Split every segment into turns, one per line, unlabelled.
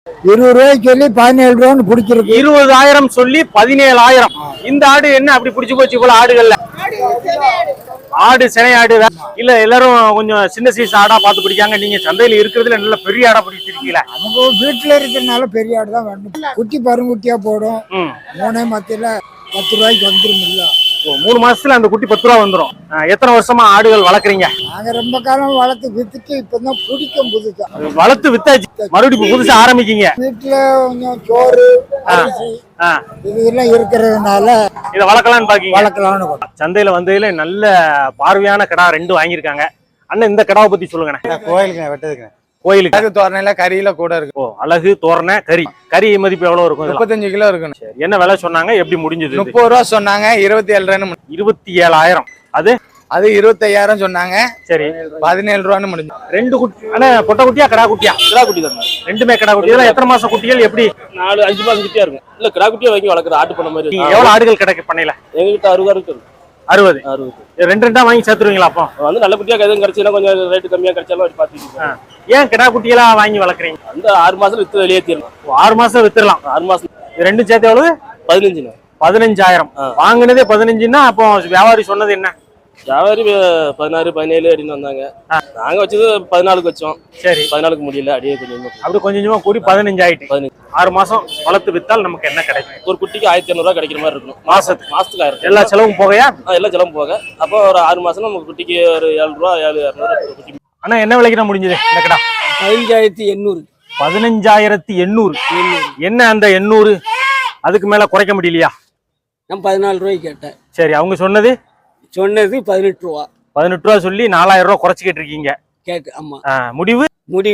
20 ரூபாய்க்கு சொல்லி 17 ரூபான்னு பிடிச்சிருக்கு.
20,000 சொல்லி 17,000. இந்த ஆடு என்ன அப்படி பிடிச்சு போச்சு போல ஆடுகள்ல? ஆடு சினை ஆடு இல்ல, எல்லாரும் கொஞ்சம் சின்ன சைஸ் ஆடா பார்த்து பிடிக்காங்க. நீங்க சந்தையில இருக்கிறதுல நல்ல பெரிய ஆடா பிடிச்சிருக்கீங்களா?
அவங்க வீட்டுல இருக்கிறதுனால பெரிய ஆடு தான் வேணும். குட்டி பருங்குட்டியா போடும். 3 மத்தியில 10 ரூபாய்க்கு வந்துருமில்ல.
3 மாசத்துல அந்த குட்டி 10 ரூபா வந்துடும். எத்தனை வருஷமா ஆடுகள் வளர்க்குறீங்க?
நாங்க ரொம்ப காலம் வளர்த்து வித்துட்டு இப்பதான் பிடிக்கும் புதுசா.
வளர்த்து வித்தாச்சு, மறுபடியும் புதுசா ஆரம்பிக்கீங்க.
வீட்டுல கொஞ்சம் சோறு அரிசி இதெல்லாம் இருக்கிறதுனால
இதை வளர்க்கலாம்னு பாக்கீங்க.
வளர்க்கலாம்னு.
சந்தையில வந்ததுல நல்ல பார்வையான கடா 2 வாங்கியிருக்காங்க. அண்ணன் இந்த கடாவை பத்தி சொல்லுங்க.
கோயிலுக்கு வெட்டதுக்கு.
கோயிலுக்கு
தோரணையில கறியில கூட இருக்கு.
ஓ, அழகு தோரணை கறி. கறி மதிப்பு எவ்வளவு இருக்கும்?
35 கிலோ இருக்கும்.
என்ன விலை சொன்னாங்க? எப்படி முடிஞ்சது?
30 ரூபா சொன்னாங்க. 27
27,000. அது
25,000 சொன்னாங்க.
சரி,
17 ரூபான்னு முடிஞ்சு.
2 குட்டி. ஆனா பொட்டை குட்டியா கடா குட்டியா?
கிடா குட்டி தான்.
ரெண்டுமே கடா குட்டி. இதெல்லாம் எத்தனை மாசம் குட்டிகள்? எப்படி
4-5 மாசம் குட்டியா இருக்கும். இல்ல கிடா குட்டியா வாங்கி வளர்க்குற ஆட்டு பண்ண மாதிரி.
எவ்வளவு ஆடுகள் கிடைக்க பண்ணையில?
எங்ககிட்ட 60 இருக்கு.
60. 2 வாங்கி சேர்த்துருவீங்களா? அப்போ
வந்து நல்ல குட்டியா எதுவும் கிடைச்சா கொஞ்சம் ரேட்டு கம்மியா கிடைச்சாலும் பாத்துக்கிட்டு.
ஏன் கிடா குட்டியெல்லாம் வாங்கி வளர்க்குறீங்க?
அந்த 6 மாசத்துல வித்து வெளியே தீரலாம்.
6 மாசம் வித்துடலாம்.
6 மாசம்.
ரெண்டும் சேர்த்து எவ்வளவு?
15.
15,000. வாங்கினதே 15ன்னா அப்போ வியாபாரி சொன்னது என்ன?
வியாபாரி 16, 17 அப்படின்னு வந்தாங்க. நாங்க வச்சது 14க்கு வச்சோம்.
சரி,
14க்கு முடியல. அப்படியே கொஞ்சம்
அப்படி கொஞ்சமா கூடி 15 ஆயிட்டு. 6 மாசம் வளர்த்து வித்தால் நமக்கு என்ன கிடைக்கும்?
ஒரு குட்டிக்கு 1,500 ரூபாய் கிடைக்கிற மாதிரி இருக்கும். மாசத்துக்கு 1000.
எல்லா செலவும் போகையா?
எல்லாம் செலவும் போக. அப்போ ஒரு 6 மாசம் நம்ம குட்டிக்கு ஒரு 7 ரூபா 7,200 குட்டி.
ஆனா என்ன விலைக்கு தான் முடிஞ்சது இந்த கடா?
15,800.
15,800. என்ன அந்த 800 அதுக்கு மேல குறைக்க முடியலையா?
நான் 14 ரூபாய்க்கு கேட்டேன்.
சரி, அவங்க சொன்னது
18 ரூபா.
18 ரூபா சொல்லி 4,000 ரூபா குறைச்சிக்கிட்டு இருக்கீங்க.
ஆமா.
முடிவு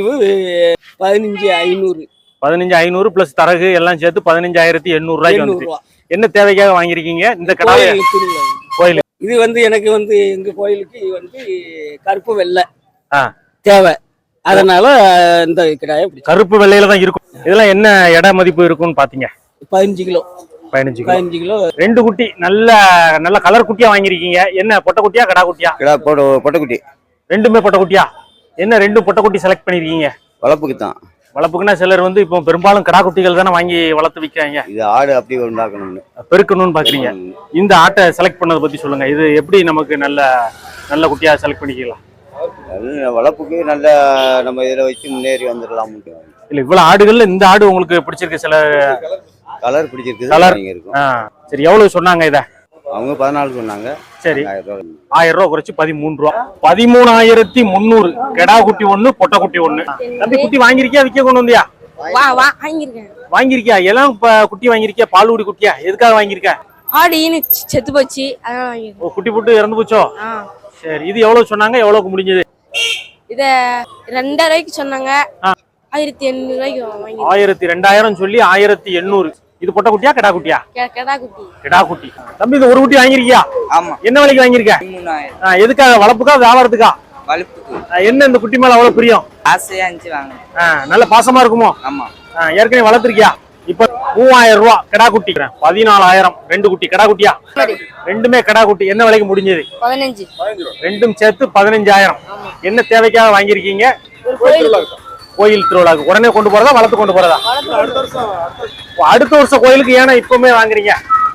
15,500.
15,500 பிளஸ் தரகு எல்லாம் சேர்த்து 15,800 ரூபாய்க்கு வந்து. என்ன தேவைக்காக வாங்கிருக்கீங்க இந்த கடை? கோயில்.
இது எனக்கு எங்க கோயிலுக்கு கருப்பு வெள்ளை தேவை. அதனால இந்த கடாயை
கருப்பு வெள்ளையில தான் இருக்கும். இதெல்லாம் என்ன எடை மதிப்பு இருக்கும்னு பாத்தீங்க?
15 கிலோ.
15 கிலோ. 2 குட்டி நல்ல நல்ல கலர் குட்டியா வாங்கிருக்கீங்க. என்ன பொட்டை குட்டியா கடா குட்டியா?
பொட்டை குட்டி.
ரெண்டுமே பொட்டை குட்டியா? என்ன 2 பொட்டை குட்டி செலக்ட் பண்ணிருக்கீங்க?
வளர்ப்புக்கு தான்.
வளர்ப்புக்குன்னா சிலர் இப்போ பெரும்பாலும் கடா குட்டிகள் தானே வாங்கி வளர்த்து விற்கிறாங்க.
இது ஆடு அப்படி உண்டாக்கணும்னு
பெருக்கணும்னு பாக்குறீங்க. இந்த ஆட்டை செலக்ட் பண்ணதை பத்தி சொல்லுங்க. இது எப்படி நமக்கு நல்ல நல்ல குட்டியா செலக்ட் பண்ணிக்கலாம்?
வளர்ப்புக்கு நல்ல நம்ம இதில் வச்சு முன்னேறி வந்துடலாம்.
இல்ல, இவ்வளவு ஆடுகள்ல இந்த ஆடு உங்களுக்கு பிடிச்சிருக்கு? சில
கலர் பிடிச்சிருக்கு.
கலர். சரி, எவ்வளவு சொன்னாங்க இத?
அவங்க 14 சொன்னாங்க.
சரி, 1000 ரூபா குறைச்சு 13 ரூபா. 13,300. கெடா குட்டி 1, பொட்டை குட்டி 1. தம்பி, குட்டி வாங்கிருக்கியா? விற்க கொண்டு வந்தியா? வாங்கிருக்கியா? எல்லாம் குட்டி வாங்கிருக்கியா? பால்குடி குட்டியா? எதுக்காக வாங்கிருக்க?
ஆடு செத்து போச்சு.
குட்டி போட்டு இறந்து போச்சோ? சரி, இது எவ்வளவு சொன்னாங்க? எவ்வளவுக்கு முடிஞ்சது?
இத 2,500 ரூபாய்க்கு சொன்னாங்க. 1,800 ரூபாய்க்கு
2,000 சொல்லி 1,800. இது பொட்டை குட்டியா கடா குட்டியா? கடா குட்டி. தம்பி, இது ஒரு குட்டி வாங்கிருக்கியா?
ஆமா.
என்ன விலைக்கு வாங்கிருக்க?
3,000.
எதுக்காக? வளர்ப்புக்கா வியாபாரத்துக்கா?
வளர்ப்புக்கு.
என்ன இந்த குட்டி மேல அவ்வளவு பிரியம்?
ஆசையா இருந்துச்சு வாங்க.
நல்ல பாசமா இருக்குமோ?
ஆமா.
ஏற்கனவே வளர்த்திருக்கியா? இப்ப 3,000 ரூபா கடா குட்டி. 14,000. 2 குட்டி கடா குட்டியா? ரெண்டுமே கடா குட்டி. என்ன விலைக்கு முடிஞ்சது?
15.
ரெண்டும் சேர்த்து 15,000. என்ன தேவைக்காக வாங்கிருக்கீங்க? கோயில் திருவிழாக்கு. உடனே கொண்டு போறதா வளர்த்து கொண்டு போறதா? அடுத்த வருஷம் கோயிலுக்கு. ஏன்னா இப்பவுமே வாங்குறீங்க?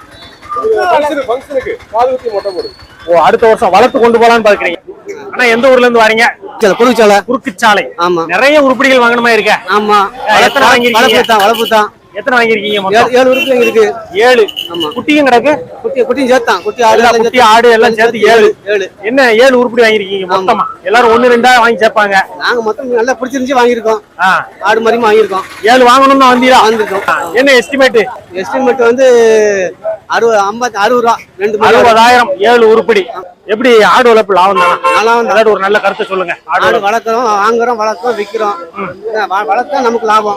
ஓ, அடுத்த வருஷம் வளர்த்து கொண்டு போலான்னு பாக்குறீங்க. ஆனா எந்த ஊர்ல இருந்து வரீங்க? குறுக்குச்சாலை.
ஆமா.
நிறைய உருப்படிகள் வாங்கணுமா இருக்க?
ஆமா.
எத்தனை வாங்கிருக்கீங்க?
வளர்ப்பு தான்.
எத்தனை வாங்கிருக்கீங்க?
7 உருப்படி இருக்கு.
7. குட்டியும் கிடக்கு.
குட்டியும் சேர்த்தான். குட்டி
ஆடு எல்லாம் சேர்த்து 7. என்ன 7 உருப்படி வாங்கிருக்கீங்க மொத்தமா? எல்லாரும் 1, 2 வாங்கி சேர்ப்பாங்க.
நாங்க மொத்தம் நல்லா பிடிச்சிருந்துச்சு வாங்கிருக்கோம். ஆடு மாதிரி வாங்கிருக்கோம்.
7 வாங்கணும்னு
வந்திருக்கோம்.
என்ன எஸ்டிமேட்?
எஸ்டிமேட் 60 ரூபா.
60,000. 7 உருப்படி. எப்படி ஆடு வளர்ப்பு லாபம் தானா? அதாவது ஒரு நல்ல கருத்தை சொல்லுங்க.
ஆடு வளர்க்குறோம், வாங்குறோம், வளர்க்குறோம், விற்கிறோம். வளர்த்தா நமக்கு லாபம்.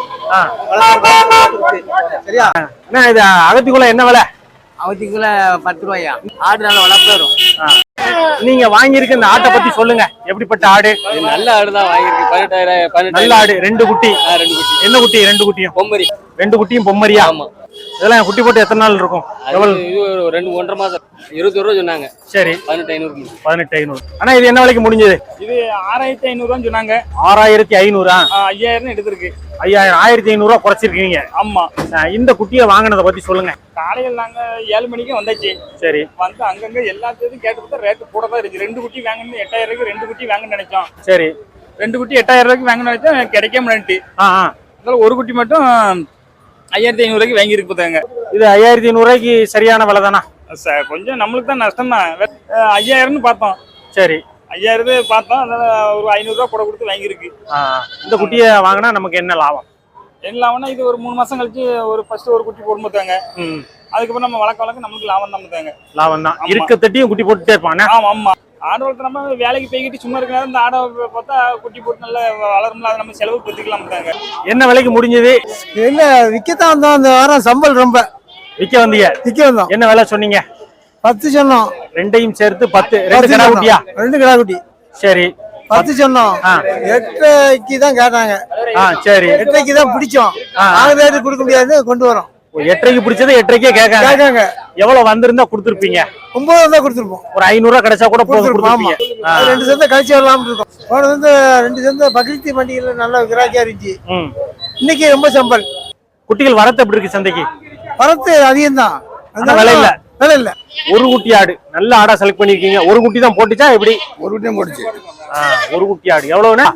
சரியா?
என்ன இது அகத்திக்குள்ள என்ன விலை?
அவதிக்குள்ள 10 ரூபாயா? ஆடு நல்ல வளர்ப்பு வரும்.
நீங்க வாங்கியிருக்க இந்த ஆட்டை பத்தி சொல்லுங்க. எப்படிப்பட்ட ஆடு?
நல்ல ஆடு தான் வாங்கியிருக்கு. 18,000.
நல்ல ஆடு. 2 குட்டி. என்ன குட்டி? 2 குட்டியும்
பொம்மரி.
2 குட்டியும் பொம்மரியா?
ஆமா.
இதெல்லாம் குட்டி போட்டு எத்தனை நாள் இருக்கும்? எவ்வளவு?
இது ஒரு 2-1.5 மாசம் 21 ரூபா சொன்னாங்க.
சரி,
18,500.
18,500. ஆனா இது என்ன விலைக்கு முடிஞ்சது?
இது 6,500 சொன்னாங்க.
6,500.
5,000 எடுத்திருக்கு.
5,000 1,500 குறைச்சிருக்கீங்க.
ஆமா.
இந்த குட்டியை வாங்கினதை பத்தி சொல்லுங்க.
காலையில் நாங்க 7 மணிக்கு வந்தாச்சு.
சரி.
வந்து அங்கங்க எல்லாத்தையும் கேட்டு பார்த்தா ரேட்டு கூட தான் இருக்கு. 2 குட்டி வாங்கணும் 8,000 ரூபாய்க்கு 2 குட்டி வாங்கன்னு நினைச்சோம்.
சரி.
2 குட்டி 8,000 ரூபாய்க்கு வாங்கன்னு நினைச்சோம், கிடைக்காம நினைட்டு. அதனால ஒரு குட்டி மட்டும் 5,500 ரூபாய்க்கு வாங்கி இருக்கு பார்த்தாங்க.
இது 5,500 ரூபாய்க்கு சரியான விலை தானா?
கொஞ்சம் நம்மளுக்கு தான் நஷ்டம் தான். 5,000ன்னு பார்த்தோம்.
சரி,
5,000 பார்த்தோம். அதனால ஒரு 500 ரூபா கூட கொடுத்து வாங்கியிருக்கு.
இந்த குட்டியை வாங்கினா நமக்கு என்ன லாபம்?
என்ன லாபம்னா இது ஒரு 3 மாசம் கழிச்சு ஃபர்ஸ்ட் ஒரு குட்டி போடும் பார்த்தாங்க. அதுக்கப்புறம் நம்ம வளர்க்க நமக்கு லாபம் தான் பார்த்தாங்க.
லாபம் தான். இருக்க தட்டியும் குட்டி போட்டுட்டே இருப்பானே.
ஆமா. ஆடு வளர்த்து நம்ம வேலைக்கு போய்கிட்டு சும்மா இருக்க நேரம் இந்த ஆடை பார்த்தா குட்டி போட்டு நல்லா வளரும்ல, அதை நம்ம செலவு பத்திக்கலாம் பார்த்தாங்க.
என்ன விலைக்கு முடிஞ்சது?
இல்ல விற்கத்தான் வந்தோம். அந்த வாரம் சம்பல் ரொம்ப
விற்க வந்தீங்க?
விற்க வந்தோம்.
என்ன விலை சொன்னீங்க?
10 சொன்னோம்.
ரெண்டையும் சேர்த்து 10. 2 கிடா குட்டியா?
2 கிடா குட்டி.
சரி,
10 சொன்னோம். 8க்கு தான் கேட்டாங்க.
சரி,
8க்கு தான் பிடிச்சோம். 4 ரேட்டு கொடுக்க முடியாது, கொண்டு வரோம்.
8க்கு பிடிச்சது 8க்கே கேட்காங்க. எவ்வளவு வந்திருந்தா கொடுத்துருப்பீங்க?
9 தான் கொடுத்துருப்போம்.
ஒரு 500 ரூபா கிடைச்சா கூட போதும்.
2 சந்தை கழிச்சு வரலாம்னு இருக்கோம். போன வந்து 2 சந்தை பக்ரீத் பண்டிகையில நல்ல கிராக்கியா இருந்துச்சு. இன்னைக்கு ரொம்ப சம்பல்.
குட்டிகள் வரத்து எப்படி இருக்கு சந்தைக்கு?
வரத்து அதிகம் தான்.
விலை இல்ல.
விலை இல்ல.
ஒரு குட்டி ஆடு நல்ல ஆடா செலக்ட் பண்ணிருக்கீங்க. ஒரு குட்டி தான் போட்டுச்சா எப்படி?
ஒரு குட்டியும் போட்டுச்சு.
ஒரு குட்டி ஆடு எவ்வளவுன்னா?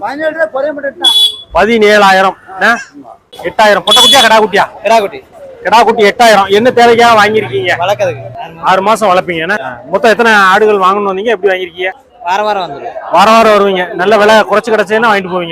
17,000. 8,000 பொட்டை குட்டியா கடா குட்டியா? கடா குட்டி 8,000. என்ன தேவைக்காக வாங்கிருக்கீங்க?
வளர்க்கறதுக்கு
6 மாசம் வளர்ப்பீங்க. மொத்தம் எத்தனை ஆடுகள் வாங்கணும் வந்தீங்க? எப்படி வாங்கிருக்கீங்க?
வாரம் வந்துடும்.
வாரம் வருவீங்க. நல்ல விலை குறைச்சு கிடைச்சதுன்னா வாங்கிட்டு போவீங்க.